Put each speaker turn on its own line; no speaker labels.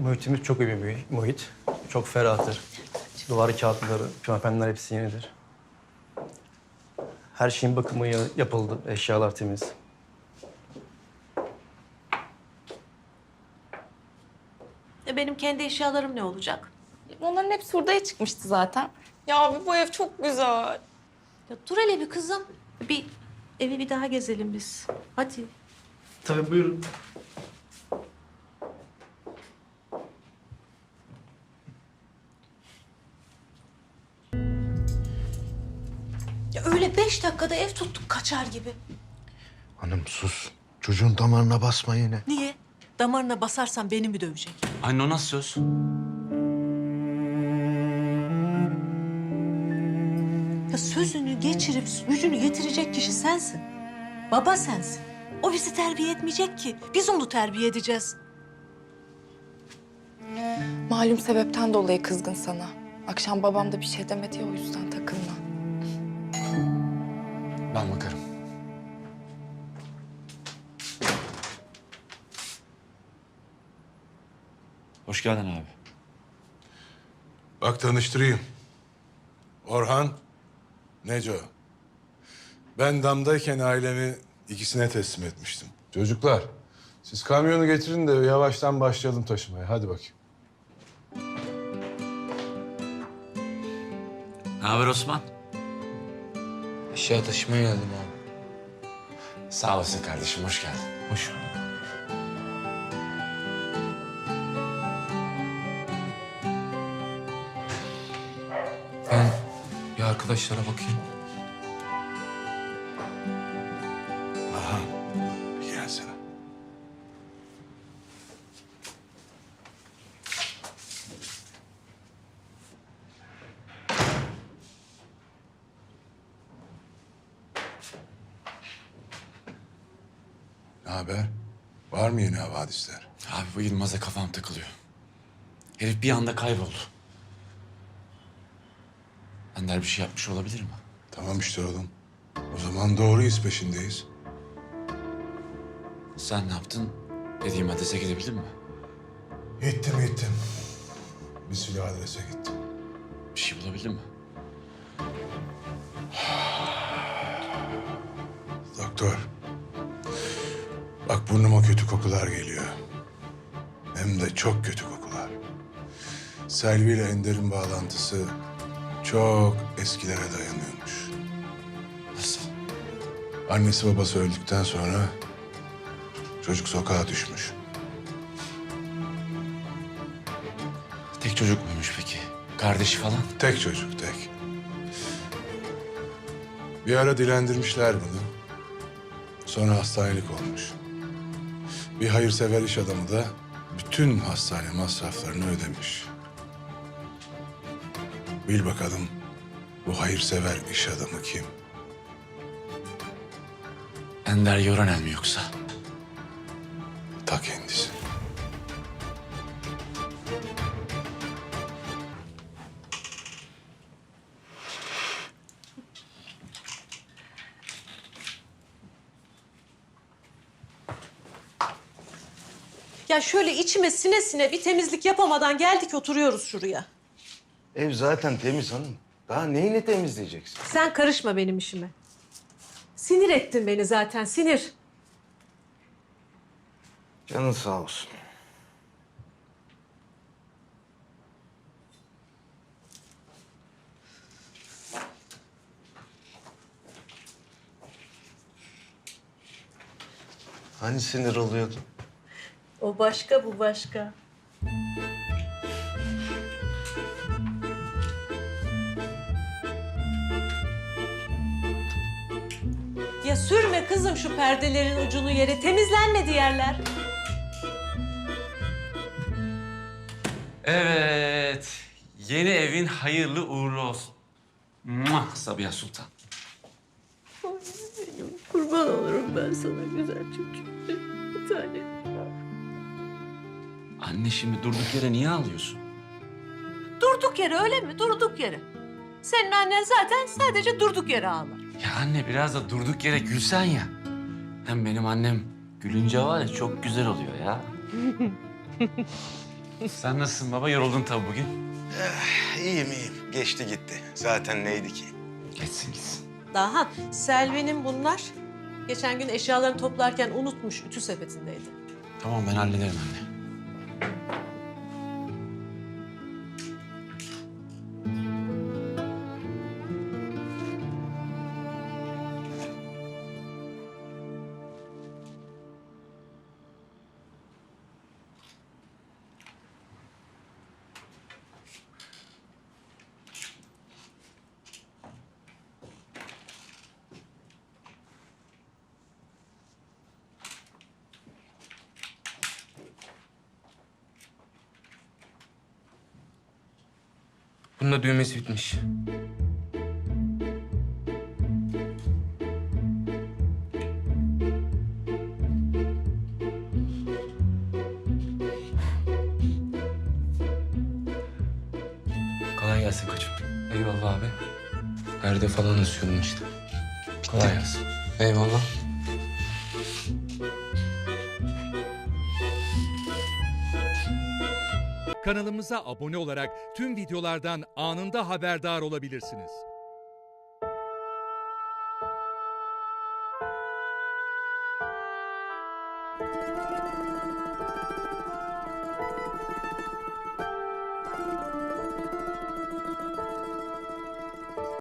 Muhitimiz çok iyi bir muhit. Çok ferahtır. Duvar kağıtları, pimapenler hepsi yenidir. Her şeyin bakımı yapıldı. Eşyalar temiz.
Benim kendi eşyalarım ne olacak?
Onların hepsi hurdaya çıkmıştı zaten.
Ya abi bu ev çok güzel.
Ya dur hele bir kızım. Bir evi bir daha gezelim biz. Hadi.
Tabii buyurun.
Ya öyle 5 dakikada ev tuttuk kaçar gibi.
Hanım sus. Çocuğun damarına basma yine.
Niye? Damarına basarsan beni mi dövecek?
Anne o nasıl söz?
Ya sözünü geçirip gücünü getirecek kişi sensin. Baba sensin. O bizi terbiye etmeyecek ki. Biz onu terbiye edeceğiz.
Malum sebepten dolayı kızgın sana. Akşam babam da bir şey demedi ya, o yüzden takılma.
Ben bakarım. Hoş geldin abi.
Bak tanıştırayım. Orhan, Neco. Ben damdayken ailemi ikisine teslim etmiştim. Çocuklar, siz kamyonu getirin de yavaştan başlayalım taşımaya. Hadi bakayım.
Ne haber Osman?
Eşya taşımaya geldim abi.
Sağ olasın kardeşim, hoş geldin. Hoş bulduk.
Ben bir arkadaşlara bakayım.
Orhan, bir gelsene. Ne haber? Var mı yeni havadisler?
Abi bu Yılmaz'a kafam takılıyor. Herif bir anda kayboldu. Ender bir şey yapmış olabilir mi?
Tamam işte oğlum. O zaman doğru iz peşindeyiz.
Sen ne yaptın? Dediğim adrese gidebildin mi?
Gittim. Bir sürü adrese gittim.
Bir şey bulabildin mi?
Doktor. Bak burnuma kötü kokular geliyor. Hem de çok kötü kokular. Selvi ile Ender'in bağlantısı çok eskilere dayanıyormuş.
Nasıl?
Annesi babası öldükten sonra çocuk sokağa düşmüş.
Tek çocuk muymuş peki? Kardeşi falan?
Tek çocuk, tek. Bir ara dilendirmişler bunu. Sonra hastanelik olmuş. Bir hayırsever iş adamı da bütün hastane masraflarını ödemiş. Bil bakalım bu hayırsever iş adamı kim?
Ender Yoranel mi yoksa?
Ta kendisi.
Ya şöyle içime sine sine bir temizlik yapamadan geldik oturuyoruz şuraya.
Ev zaten temiz hanım. Daha neyini temizleyeceksin?
Sen karışma benim işime. Sinir ettin beni zaten, sinir.
Canın sağ olsun. Hani sinir oluyordun?
O başka, bu başka. Ya sürme kızım şu perdelerin ucunu yere. Temizlenmedi yerler.
Evet. Yeni evin hayırlı uğurlu olsun. Muah, Sabiha Sultan.
Kurban olurum ben sana güzel çocuğum. Bir tane.
Anne şimdi durduk yere niye ağlıyorsun?
Durduk yere öyle mi? Durduk yere. Senin annen zaten sadece durduk yere ağlar.
Ya anne biraz da durduk yere gülsen ya. Hem benim annem gülünce var ya çok güzel oluyor ya. Sen nasılsın baba? Yoruldun tabii bugün.
İyiyim iyiyim. Geçti gitti. Zaten neydi ki?
Geçsin gitsin.
Daha Selvi'nin bunlar. Geçen gün eşyalarını toplarken unutmuş, ütü sepetindeydi.
Tamam ben hallederim anne.
Bunun da düğmesi bitmiş. Kolay gelsin koçum. Eyvallah abi. Perde falan asıyordum işte. Kolay gelsin. Eyvallah.
Kanalımıza abone olarak tüm videolardan anında haberdar olabilirsiniz.